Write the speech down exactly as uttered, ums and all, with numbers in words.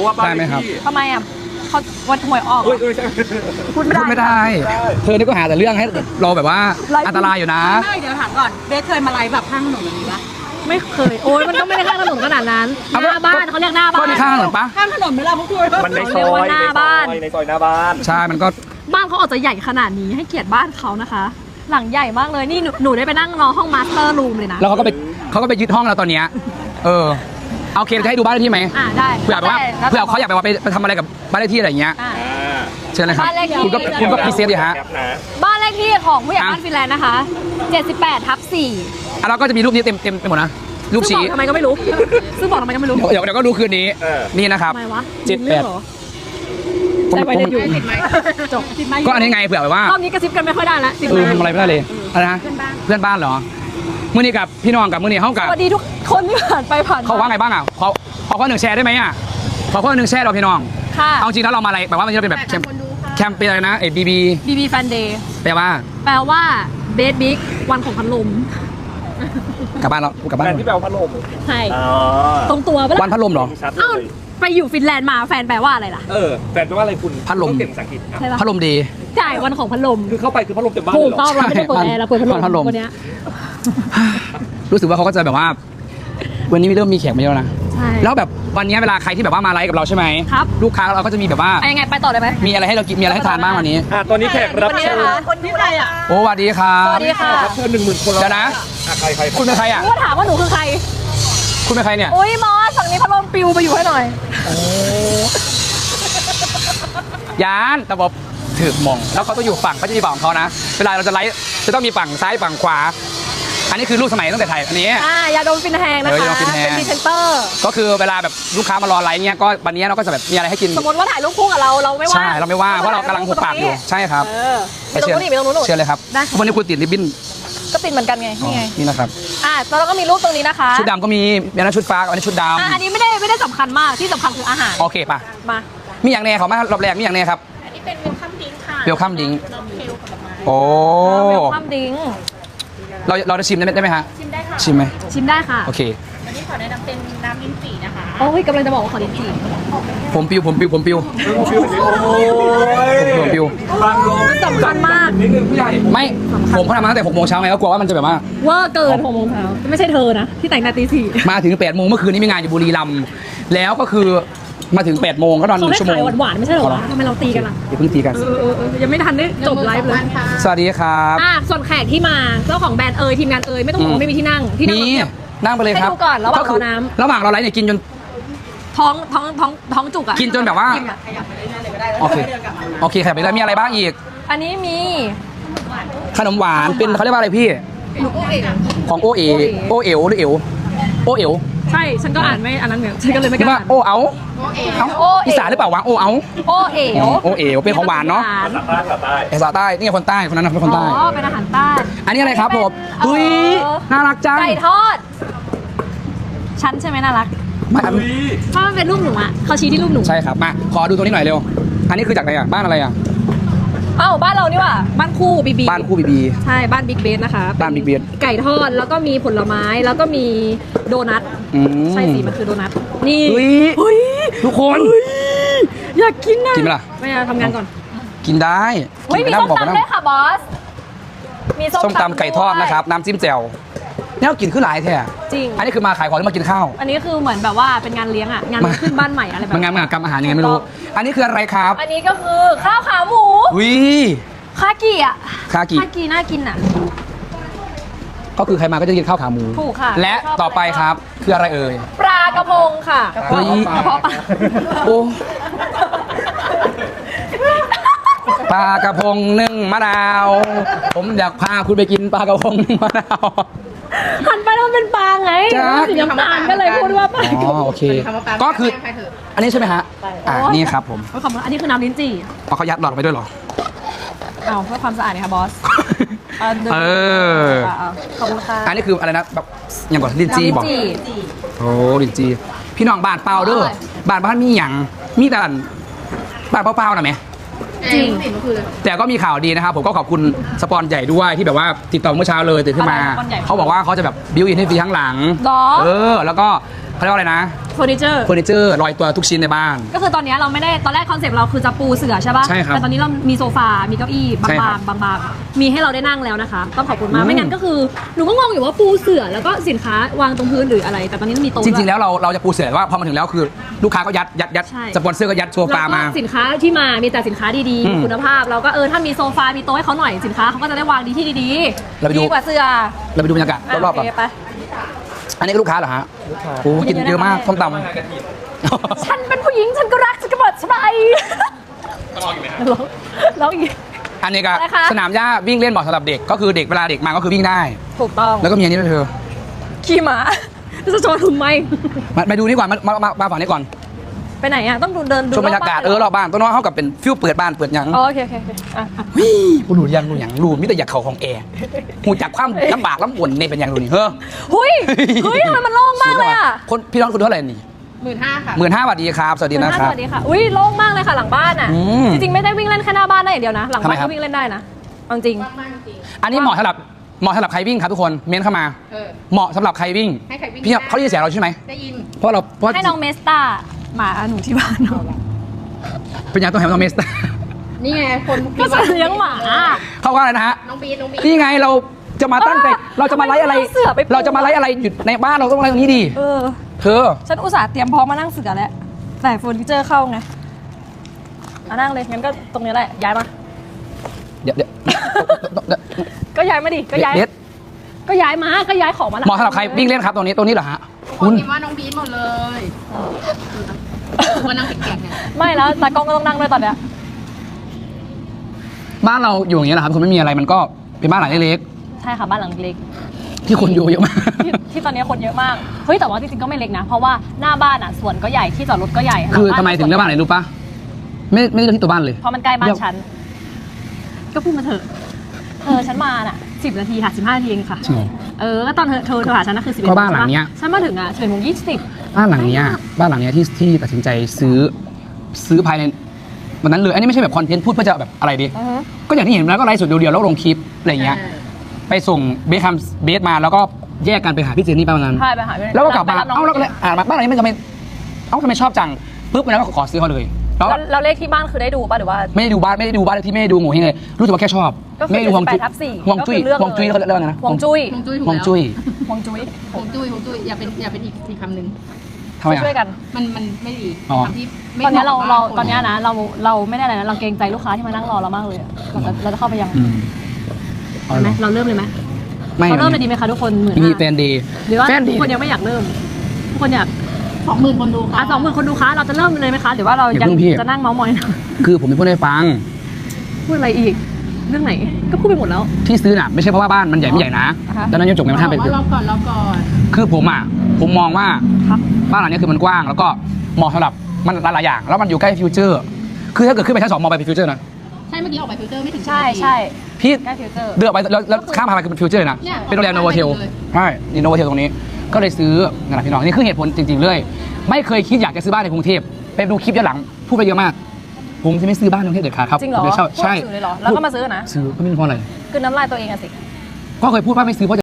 ว่าบ้านได้ไหมครับทำไมอ่ะเขาวันหวยออกเฮ้ยเฮ้ยพูดไม่พูดไม่ได้ได้ เธอนี่ก็หาแต่เรื่องให้เราแบบว่าอันตรายอยู่นะไม่เดี๋ยวถามก่อนเบสเคยมาไลฟ์แบบข้างถนนแบบนี้ปะไม่เคยโอ้ยมันก็ไม่ได้ข้างถนนขนาดนั้นหเอาน้าบ้านเขาเรียกหน้าบ้าก็นในข้างถนนปะข้างถนนไหมล่ะพวกคุณมันในซเรีอยกว่าหน้าบ้านในซอยหน้าบ้านใช่มันก็บ้านเขาออกจะใหญ่ขนาดนี้ให้เกียรติบ้านเขานะคะ หลังใหญ่มากเลยนี่หนูหนูได้ไปนั่งรอห้องมาสเตอร์รูมเลยนะแล้วเขาก็ไปเขาก็ไปยึดห้องเราตอนเนี้ยเออเอาเคจะให้ดูบ้านเลขที่ไหมอ่าได้เผื่อแบบว่าได้แล้วเผื่อเขาอยากแบบว่าไปไปทำอะไรกับบ้านเลขที่อะไรอย่างเงี้ยอ่าอ่าเชิญเลยครับบ้านเลขที่คุณก็คุณก็พรีเซนต์ดิฮะแคปนะบ้านเลขที่ของผู้ใหญ่อ่ะบ้านฟินแลนด์นะคะเจ็ดสิบแปดทับสี่อ่ะเราก็จะมีรูปนี้เต็มเต็มไปหมดนะรูปซึ่งชี้บอกทำไมก็ไม่รู้ ซึ่งบอกทำไมก็ไม่รู้เดี๋ยวเดี๋ยวก็ดูคืนนี้เออนี่นะครับทำไมวะเจ็ดแปดมีรื่องหรอผมใช่ไว้ผมเดี๋ยวอยู่จบก็อันนี้ไงเผื่อแบบว่ารอบนี้กระซิบกันไม่ค่อยได้ละสิบเออไม้ทำอะไรไม่ได้เลยอะไรนะเพื่อนบ้านเหรอมื่อนี้กับพี่น้องกับมื่อนี้เขากับสวัสดีทุกคนที่ผ่านไปผ่านมเขาว่าไงบ้างอ่ะขอขอข้อหนึ่งแชร์ได้ไหมอ่ะขอข้อหนึ่งแชร์เราพี่น้องค่ะเอาจริงถ้าเรามาอะไรแบบว่ามันจะเป็นแบบแคมแคมเป็นอะไรนะเอ็บีบีบีบีแฟนเดย์แปลว่าแปลว่าเบสบิ๊กวันของพัดลมกลับบ้านเรากลับบ้านแฟนที่แปลว่าพัดลมใช่อ๋อตรงตัวปะวันพัดลมเหรอชัดเลเอ้าย ไปอยู่ฟินแลนด์มาแฟนแปลว่าอะไรล่ะเออแฟนแปลว่าอะไรคุณพัดลมต้องเก่งภาษาอังกฤษครับใช่ปะพัดลมดีจ่ายวันของพัดลมคือเข้าไปคือพัดลมเต็มบ้านถูเลยกเหรต้อองเราไม่ได้เปิดแอร์เราเปิดพัดลมพัดลมวันเนี้ยรู้สึกว่าเขาก็จะแบบว่า วันนี้เริ่มมีแขกมาเยอะแล้วนะใช่แล้วแบบวันนี้เวลาใครที่แบบว่ามาไลฟ์กับเราใช่ไหมครับลูกค้าเราก็จะมีแบบว่าไปยังไงไปต่อเลยไหมมีอะไรให้เรากินมีอะไรให้ทานบ้างวันนี้อ่ะตอนนี้แขกรับวันนี้เชิญนะคะคนที่ใครอ่ะโอ้สวัสดีครับสวัสดีค่ะรับเชิญหนึ่งหมื่นคนแล้วเดี๋ยวนะอ่ะใครใครคุณเป็นใครอ่ะก็ถามว่าหนูคือใครคุณเป็นใครเนี่ยอุ้ยมอสฝั่งนี้พัดลมปิวไปอยู่ให้หน่อยยานแต่บอกถือมองแล้วเขาต้องอยู่ฝั่งเขาจะมีฝั่งของเขานะเวลาเราจะไลฟ์จะต้องมีฝั่งซ้ายฝั่งขวา อันนี้คือรูปสมัยตั้งแต่ไทยอันนี้อ่ายาดมฟินแฮงนะเออยาคะดมฟินแฮงเป็นพรีเซนเตอร์ก็คือเวลาแบบลูกค้ามารอไลฟ์เงี้ยก็วันนี้เราก็จะแบบมีอะไรให้กินสมมติว่าถ่ายรูปคู่กับเราเราไม่ว่าใช่เราไม่ว่าเพราะเรากำลังหุบปากอยู่ใช่ครับเออไปตรงนู้นนี่ไปตรงนู้นหนูเชิญเลยครับได้ค่ะวันนี้คุณติดริบบิ้นก็ติดเหมือนกันไงนี่ไงนี่นะครับอ่ะแล้วเราก็มีรูปตรงนี้นะคะชุดดำก็มีมีอันนั้นชุดฟ้าอันนี้ชุดดอ่ะอันนี้ไม่ได้ไม่ได้สำคัญมากที่สำคัญคืออาหารำโอเคป่ะมามีอย่างแน่เขามารอบแรกมีอย่างแน่ครับอันนี้เป็นเวลคัมดิ้งค่ะเวลคัมดิ้งนมเคียวกับดอกไม้โอ้เวลคัมดิ้งเราเราจะชิมได้ไหมได้ไหมฮะชิมได้ค่ะชิมไหมชิมได้ค่ะโอเควันนี้ขอแนะนำเป็นน้ำลิ้นจี่นะคะโอ้ยกำลังจะบอกว่าขอลิ้นจี่ผมปิวผมปิวผมปิวโอ้ยผมปิวบางลมสำคัญมากนิดนึงผู้ใหญ่ไม่ผมเขาทำมาตั้งแต่หกโมงเช้าไงก็กลัวว่ามันจะแบบว่าเวอร์เกินหกโมงเช้าไม่ใช่เธอนะที่แต่งหนาตีสี่มาถึงแปดโมงเมื่อคืนนี้มีงานอยู่บุรีรัมย์แล้วก็คือมาถึงแปดโมงก็นอนหเขานึ่ได้งชั่วโมขาง ยหวานๆไม่ใช่เหรอวะทำไมเราตีกันล่ะอย่าเพิ่งตีกันเออเออเออยังไม่ทันได้จบไลฟ์เลยสวัสดีครับอ่ะส่วนแขกที่มาเจ้าของแบรนด์เอยทีมงานเอยไม่ต้องห่วอืงมไม่มีที่นั่งที่นั่งนี่แบบนั่งไปเลยครับให้ดูก่อนระหว่างก็คืรอน้ำระหว่างเราไลฟ์เนี่ยกินจนท้องท้องท้องท้องจุกอ่ะกินจนแบบว่าโอเคโอเคครับไปแล้วมีอะไรบ้างอีกอันนี้มีขนมหวานเป็นเขาเรียกว่าอะไรพี่ของโอเอโอเอลหรือเอลโอเอลใช่ฉันก็อ่านไม่อันนั้นเหมือนฉันก็เลยไม่หรืกอล้าว่าอ่านโอเอาเอ้าโอเอ๋อีสานหรือเปล่าวะโอเอาโอเอ๋วโอเอลเป็นของหวานเนาะหวภาษาใต้ภาษาใต้ภาษาใต้นี่ไงคนใต้คนนั้นนะเป็นคนอ๋ใต้อเป็นอาหารใต้อันนี้อะไรครับผมเอ่อเฮ้ยน่ารักจังไก่ทอด ฉันใช่ไหมน่ารักไม่อุ้ยถ้ามันเป็นรูปหนูอ่ะเขาชี้ที่รูปหนูใช่ครับมาขอดูตัวนี้หน่อยเร็วอันนี้คือจากไหนอ่ะบ้านอะไรอ่ะเอ้าบ้านเรานี่ว่ะบ้านคู่บีบีบ้านคู่บีบีใช่บ้านบิ๊กเบสนะคะบ้าน Big ป็ Base ไก่ทอดแล้วก็มีผลไม้แล้วก็มีโดนัทอืมใช่สิมันคือโดนัทนี่เฮ้ยเฮ้ยทุกคนอยากกินนะกินไหมล่ะไม่เอาทำงานก่อนกินได้เฮ้ยกิมีนไปส้มบอกไปตำนั่ด้วยค่ะบอสมีส้มตำไก่ทอดนะครับน้ำจิ้มแจ่วเนี่ยเรากินขึ้นหลายแท้จริงอันนี้คือมาขายของหรือมากินข้าวอันนี้คือเหมือนแบบว่าเป็นงานเลี้ยงอ่ะงานมาขึ้นบ้านใหม่อะไรแบบมันงานมหกรรมอาหารยังไงไม่รู้ อันนี้คืออะไรครับอันนี้ก็คือข้าวขาหมูอุ้ยคากิอ่ะคากิคากิน่ากินอ่ะก็คือใครมาก็จะกินข้าวขาหมูถูกค่ะและต่อไปครับคืออะไรเอ่ยปลากระพงค่ะเฮ้ยกระเพาะปลาโอ้ปลากระพงนึ่งมะนาว ผมอยากพาคุณไปกินปลากระพงนึ่งมะนาวหันไปแล้วมันเป็นปลาไงจ๊ะสีน้ำตาลก็เลยพูดว่าปลาอ๋อโอเค ก็คือ อันนี้ใช่ไหมฮะอ่านี่ครับผมขอบคุณอันนี้คือน้ำลิ้นจี่เอาเขายัดหลอดไปด้วยเหรอเอาเพื่อความสะอาดนะคะบอส เอาดินเออเอาเอาขอบคุณค่ะอันนี้คืออะไรนะแบบอย่างก่อนลินจีน้ำลิ้นบอกจี่โอ้ลินจี พี่น้องบ้านเปล่าเด้ออร่อยบ้านบ้านมีหยังมีแต่บ้านเปล่าๆนะแม่จริงแต่ก็มีข่าวดีนะครับผมก็ขอบคุณสปอนใหญ่ด้วยที่แบบว่าติดต่อเมื่อเช้าเลยตื่นขึ้นมาอะไรสปอนใหญ่เขาบอกว่าเขาจะแบบบิวอินให้ฟรีทั้งหลังหรอเออ แล้วก็เขาเรียกว่าอะไรนะเฟอร์นิเจอร์เฟอร์นิเจอร์ลอยตัวทุกชิ้นในบ้านก็คือตอนนี้เราไม่ได้ตอนแรกคอนเซปต์เราคือจะปูเสื่อใช่ปะใช่ครับแต่ตอนนี้เรามีโซฟา มีเก้าอี้บาใช่ครังบๆบางๆมีให้เราได้นั่งแล้วนะคะ ต้องขอบคุณมาอืกมไม่งั้นก็คือหนูก็งงอยู่ว่าปูเสื่อแล้วก็สินค้าวางตรงพื้นหรืออะไร แต่ตอนนี้มันมีโต๊ะจริงๆแล้วเราเราจะปูเสือว่าพอมาถึงแล้วคือลูกค้าก็ยัดยัดยัดใช่สปอนเซอร์ก็ยัดโซแล้วฟาก็มาสินค้าที่มามีแต่สินค้าดีอืมๆคุณภาพเราก็เออถ้ามีโซฟา มีโต๊ะให้เขาหน่อยสินค้าเขาก็จะได้วางดีที่ดีเราไปดูดีกว่าเสื่อเราไปดูบรรยากาศรอบๆโอก่อนเคไปอันนี้ก็ลูกค้าเหรอฮะโอ้โหกินเยอะมากส้มตำฉันเป็นผู้หญิงฉันก็รักฉันก็บอกสบายร้องร้องอีกอันนี้ก็อะไรคะสนามหญ้าวิ่งเล่นเหมาะสำหรับเด็กก็คือเด็กเวลาเด็กมาก็คือวิ่งได้ถูกต้องแล้วก็มีอันนี้ด้วยเธอขี่ม้าจะโจรทำไมมามาดูนี่ก่อนมามามามาฝั่งนี้ก่อนไปไหนอ่ะต้องดูเดินดูชมบรรยากาศเออรอบบ้านต้นน้อยเข้ากับเป็นฟิวเปิดบ้านเปิดหยังอ๋อโอเคโอเคโอเคอ่ะอ่ะวิกูรู้ยังรู้ยังรู้มิแต่อยากเข่าของแอร์หูจากความลำบากลำบนนี่เป็นยังรู้นี่เฮ้อหุยเฮ้ยทำไมมันโล่งมากเลยอ่ะคนพี่น้องคุณเท่าไหร่นี่หมื่นห้าค่ะหมื่นห้าสวัสดีครับสวัสดีหมื่นะนห้าคสรับวัสดีค่ะอุ้ยโล่งมากเลยค่ะหลังบ้านอ่ะอืมจริงๆไม่ได้วิ่งเล่นแค่หน้าบ้านได้อย่างเดียวนะ หลังทำไมบ้านครับก็วิ่งเล่นได้นะเอาจริงมากจริงอันนี้เหมาะสำหรับเหมาะสำหรับใครวิ่งครับทุกคนเม้นเข้ามาเออเหมาะสำหรับใครวิ่งให้ใครวิ่งพี่ได้เขาได้ยินเสียงเราใช่ไหมได้ยินเพราะเราเพราะให้น้องเมสตาหมาหนูที่บ้านเนาะเป็นยังต้องแฮมต้องเมสนี่ไงคนก็จะเลี้ยงหมาเขาว่าอะไรนะฮะน้องบีน้องบีนี่ไงเราจะมาตั้งใจเออเราจะมาไลฟ์อะไรทำไมไม่เอาเสือไปปูเราจะมาไลฟ์อะไรอยู่ในบ้านเราต้องไลฟ์ตรงนี้ดีเออเธอฉันอุตส่าห์เตรียมพร้อมมานั่งเสือแล้วแต่เฟอร์นิเจอร์เข้าไงอ่ะนั่งเลยงั้นก็ตรงนี้แหละย้ายมาเดี๋ยวเดี๋ยวก็ย้ายมาดิก็ย้ายเด็ดก็ย้ายมาก็ย้ายของมาเหมาะสำหรับใครวิ่งเล่นครับตรงนี้ตรงนี้เหรอฮะคคุนณพิมพ์ว่าน้องบีหมดเลยมานั่งแกะๆเนี่ยไม่แล้วตากล้องก็ต้องนั่งด้วยตอนเนี้ยบ้านเราอยู่อย่างเงี้ยนะครับคนไม่มีอะไรมันก็เป็นบ้านหลังเล็กใช่ค่ะบ้านหลังเล็กๆที่คนอยู่เยอะมากที่ที่ตอนนี้คนเยอะมากเฮ้ยแต่ว่าจริงๆก็ไม่เล็กนะ เพราะว่าหน้าบ้านอ่ะสวนก็ใหญ่ที่จอดรถก็ใหญ่คือหลัทำไมถึงเลือกบ้านไหนรู้ปะไม่ไม่ได้เลือกที่ตัวบ้านเลยเพราะมันใกล้บ้านฉันก็พูดมาเถอะเออฉันมาน่ะสิบนาทีค่ะสิบห้านาทีเองค่ะจริงเหรอเออก็ตอนเธอเธอเธอหาฉันน่ะคือสิบก็บ้านหลังเนี้ยฉันมาถึงอ่ะสิบเอ็ดโมงยี่สิบบ้านหลังเนี้ยบ้านหลังเนี้ยที่ที่ตัดสินใจซื้อซื้อภายในวันนั้นเลยอันนี้ไม่ใช่แบบคอนเทนต์พูดเพื่อจะแบบอะไรดี ก็อย่างที่เห็นแล้วก็ไลฟ์สดเดียวๆแล้วลงคลิปอะไรอย่างเงี้ยไปส่งเบสคัมเบสมาแล้วก็แยกกันไปหาพี่เจนนี่ประมาณนั้นใช่ไปหาพี่แล้วก็กลับมาไปรับน้องเอ้าแล้วก็เลยอ่านมาบ้านหลังนี้มันทำไมเอ้าทำไมชอบจังปุ๊บวันนั้นก็ขอซื้อเขาเลยแล้วแล้วแล้วเลขที่บ้านคือได้ดูป่ะหรือว่าไม่ได้ดูบ้านไม่ได้ดูบ้านที่ไม่ได้ดูโง่เฮงเลยรู้สึกว่าแค่ชอบก็คือไม่ได้ดูฮวงจุ้ยเจ็ดสิบแปดทับสี่ฮวงจุ้ยก็คือเลือกฮวงจุ้ยเลยเขาเรียกว่าไงนะฮวงจุ้ยฮวงจุ้ยถูกฮวงแล้วจุ้ยฮวงจุ้ยฮวงจุ้ยฮวงจุ้ยอย่าเป็นอย่าเป็นอีกอีกคำหนึ่งทำไมช่วยอ่ะกันมันมันไม่ดีอ๋อคำที่ไม่ตอนเนี้ยเราหมะเรากับตอนเนี้ยคนะเราเราไม่ได้อะไรนะเราเกรงใจลูกค้าที่มานั่งรอเรามากเลยอะเราจะเราจะเข้าไปยังอืมเอาไหเหมรอเราเริ่มเลยไหมไม่เราเริ่มเลยดีไหมคะทุกคนหมื่นมีห้าแฟนดีหรือว่าแฟนทุดีกคนยังไม่อยากเริ่มทุกคนอยากสองหมื่นคนดูอ่ะค่ะสองหมื่นคนดูค้าเราจะเริ่มเลยไหมคะหรือว่าเราอย่ายังเพิ่งพี่จะนั่งเมาส์มอยนะคือผมเป็นผู้ได้ฟังพูดอะไรอีก เรื่องไหนก็พูดไปหมดแล้วที่ซื้อน่ะไม่ใช่เพราะว่าบ้านมันใหญ่ไม่ใหญ่นะอ่าฮะดังนั้นยังจบกันไม่ทันบไปอกว่ารอบก่อนรอบก่อนคือผมอ่ะผมมองว่าครับบ้านหลังนี้คือมันกว้างแล้วก็เหมาะสำหรับมันหลายๆอย่าง แล้วมันอยู่ใกล้ฟิวเจอร์ คือถ้าเกิดขึ้นไปชั้นสองมองไปเป็นฟิวเจอร์นะใช่เมื่อกี้ออกไปฟิลเตอร์ไม่ถึงใช่สิบนาทีใช่พี่ใกล้ฟิวเจอร์เดินออกไปแล้วแล้วข้ามพาไปเป็นฟิวเจอร์เลยนะเนี่ยเป็นโรงแรมโนโวเทลเลยใช่นี่โนโวเทลตรงนี้ ก็เลยซื้อนั่นแหละพี่น้องนี่คือเหตุผลจริงๆเลย ไม่เคยคิดอยากจะซื้อบ้านในกรุงเทพไปดูคลิปย้อนหลังพูดไปเยอะมาก ผมจะไม่ซื้อบ้านในกรุงเทพเด็ดขาดครับจริงเหรอผมจะเช่าพูดใช่สื่อเลยเหรอแล้วก็มาซื้อนะซื้อก็ไม่รู้เพราะอะไรคือน้ำลายตัวเองอะสิก็เคยพูดว่าไม่ซื้อเพราะ